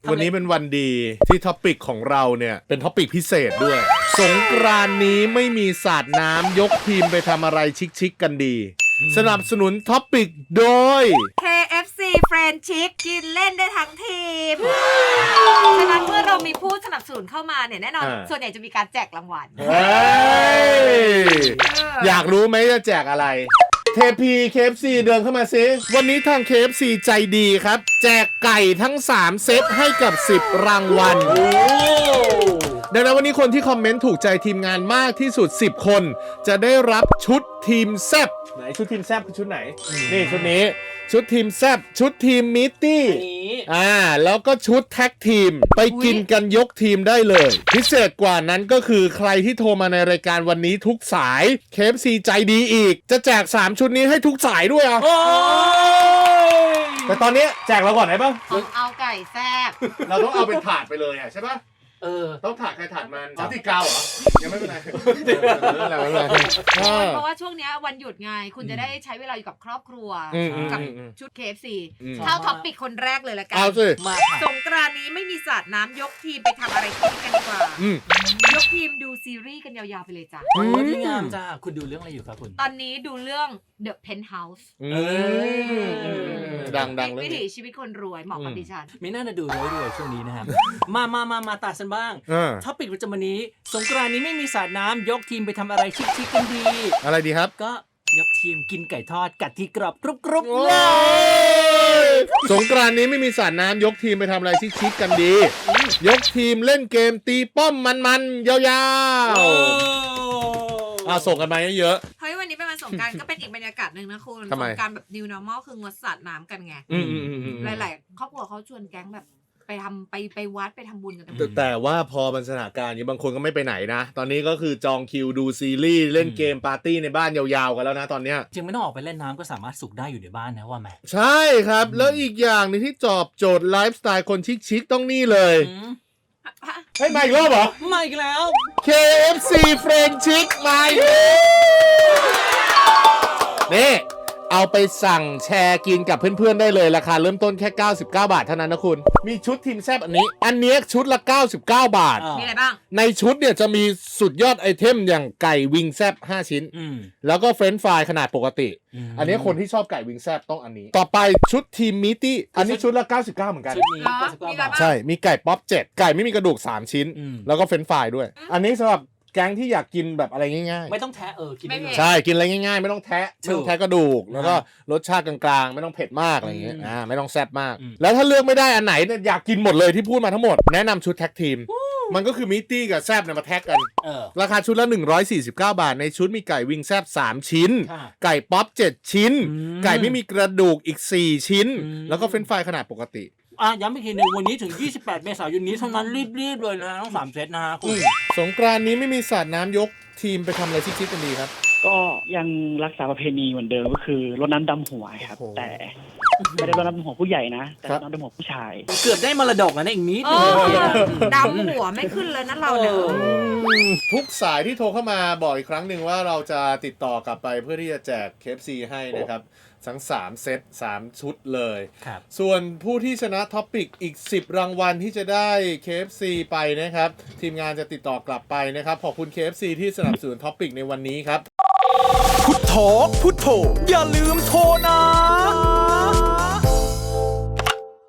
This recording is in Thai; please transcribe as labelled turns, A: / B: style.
A: วันนี้เป็นวันดีที่ท็อปิกของเราเนี่ยเป็นท็อปิกพิเศษด้วยสงกรานต์นี้ไม่มีสาดน้ำยกทีมไปทำอะไรชิคๆกันดีสนับสนุนท็อปิกโดย
B: KFC Friend Chic กินเล่นได้ทั้งทีม ฉะนั้นเมื่อเรามีผู้สนับสนุนเข้ามาเนี่ยแน่นอนส่วนใหญ่จะมีการแจกรางวัล
A: อยากรู้ไหมจะแจกอะไรเทพี KFC เดินเข้ามาซิวันนี้ทาง KFC ใจดีครับแจกไก่ทั้ง3เซตให้กับ10รางวัลดังนั้นวันนี้คนที่คอมเมนต์ถูกใจทีมงานมากที่สุด10คนจะได้รับชุดทีมแซบไหนชุดทีมแซบคือชุดไหนนี่ชุดนี้ชุดทีมแซบชุดทีมมิตตี้แล้วก็ชุดแท็กทีมไปกินกันยกทีมได้เลยพิเศษกว่านั้นก็คือใครที่โทรมาในรายการวันนี้ทุกสาย KFC ใจดีอีกจะแจก3ชุดนี้ให้ทุกสายด้วยอ่ะแต่ตอนนี้แจกเราก่อนได้ปะ
B: เอาไก่แซบ
A: เราต้องเอาเป็นถาดไปเลยอ่ะใช่ปะต้องถาดใครถาดมันติดกาวเหรอยังไม่เป็นไร
B: เพราะว่าช่วงนี้วันหยุดไงคุณจะได้ใช้เวลาอยู่กับครอบครัวกับชุด KFC เข้าท็อปปิกคนแรกเลยละกันสงกรานต์นี้ไม่มีสาดน้ำยกทีมไปทำอะไรกันดีกว่ายกทีมดูซีรีส์กันยาวๆไปเลยจ้ะ
C: โอ้ดีงามจ้าคุณดูเรื่องอะไรอยู่ครับคุณ
B: ตอนนี้ดูเรื่อง The Penthouse
A: ดัง
B: วิถีชีวิตคนรวยเหมาะกับดิฉัน
C: ไม่น่าจะดูรวยช่วงนี้นะครับมาตัดกันบ้างท็อปิกประจำวันนี้สงกรานต์นี้ไม่มีสาดน้ำยกทีมไปทำอะไรชิคๆกันดี
A: อะไรดีครับ
C: ก็ยกทีมกินไก่ทอดกัดที่กรอบกรุบๆ
A: สงกรานต์นี้ไม่มีสาดน้ำยกทีมไปทำอะไรชิคๆกันดียกทีมเล่นเกมตีป้อมมันๆยาวๆส่งกันมาเยอะ
B: ๆเฮ้ยวันนี้เป็นวันสงกรานต์ก็เป็นอีกบรรยากาศหนึ่งนะคุณสงกรานต์แบบ New Normal คืองดสาดน้ำกันไงหลายๆครอบครัวเขาชวนแก๊งแบบไปวัดไปทำบุญกัน
A: แต่ว่าพอมันสถานการณ์นี้บางคนก็ไม่ไปไหนนะตอนนี้ก็คือจองคิวดูซีรีส์เล่นเกมปาร์ตี้ในบ้านยาวๆกันแล้วนะตอนเนี้ย
C: จริงไม่ต้องออกไปเล่นน้ำก็สามารถสุกได้อยู่ในบ้านนะว่าไหม
A: ใช่ครับแล้วอีกอย่างนึงที่ตอบโจทย์ไลฟ์สไตล์คนชิคๆต้องนี่เลยให้มาอีกรอบเหรอ
C: มาอีกแล้ว
A: KFC Friend Chic มานี่เอาไปสั่งแชร์กินกับเพื่อนๆได้เลยราคาเริ่มต้นแค่99 บาทเท่านั้นนะคุณมีชุดทีมแซบอันนี้ชุดละ99 บาท
B: มีอะไรบ้าง
A: ในชุดเนี่ยจะมีสุดยอดไอเทมอย่างไก่วิงแซบ5ชิ้นแล้วก็เฟรนช์ฟรายขนาดปกติอันนี้คนที่ชอบไก่วิงแซบต้องอันนี้ต่อไปชุดทีมมิตตี้อันนี้ชุดละ99เหมือนกันใช่มีไก่ป๊อป7ไก่ไม่มีกระดูก3ชิ้นแล้วก็เฟรนช์ฟรายด้วยอันนี้สำหรับแก๊งที่อยากกินแบบอะไรง่าย
C: ๆไม่ต้องแทะกินได้
A: ใช่กินอะไรง่ายๆไม่ต้องแทะกระดูกแล้วก็รสชาติกลางๆไม่ต้องเผ็ดมากอะไรอย่างเงี้ยไม่ต้องแซ่บมากแล้วถ้าเลือกไม่ได้อันไหนอยากกินหมดเลยที่พูดมาทั้งหมดแนะนำชุดแท็กทีมมันก็คือมิตตี้กับแซบเนี่ยมาแท็กกันราคาชุดละ149 บาทในชุดมีไก่วิงแซบ3ชิ้นไก่ป๊อป7ชิ้นไก่ไม่มีกระดูกอีก4ชิ้นแล้วก็เฟรนช์ฟรายขนาดปกติ
C: ย้ำอีกทีนึงวันนี้ถึง28 เมษายนนี้เท่านั้นรีบเลยนะทั้ง3เซตนะฮะคุณ
A: สงกรานต์นี้ไม่มีสาดน้ำยกทีมไปทำอะไรชิคๆกันดีครับ
D: ก็ยังรักษาประเพณีเหมือนเดิมก็คือรดน้ำดำหัวครับแต่ไม่ได้รดน้ำดำหัวผู้ใหญ่นะแต่รดน้ำดำหัวผู้ชาย
C: เกือบได้มรดกแล้วนะอีกนิดนึง
B: ดำหัวไม่ขึ้นเลยนะเราเนี่ย
A: ทุกสายที่โทรเข้ามาบอกอีกครั้งหนึ่งว่าเราจะติดต่อกลับไปเพื่อที่จะแจก KFC ให้นะครับทั้ง3เซต3ชุดเลยส่วนผู้ที่ชนะท็อปปิกอีก10รางวัลที่จะได้ KFC ไปนะครับทีมงานจะติดต่อกลับไปนะครับขอบคุณ KFC ที่สนับสนุนท็อปปิกในวันนี้ครับ
E: พุทโธอย่าลืมโทรนะ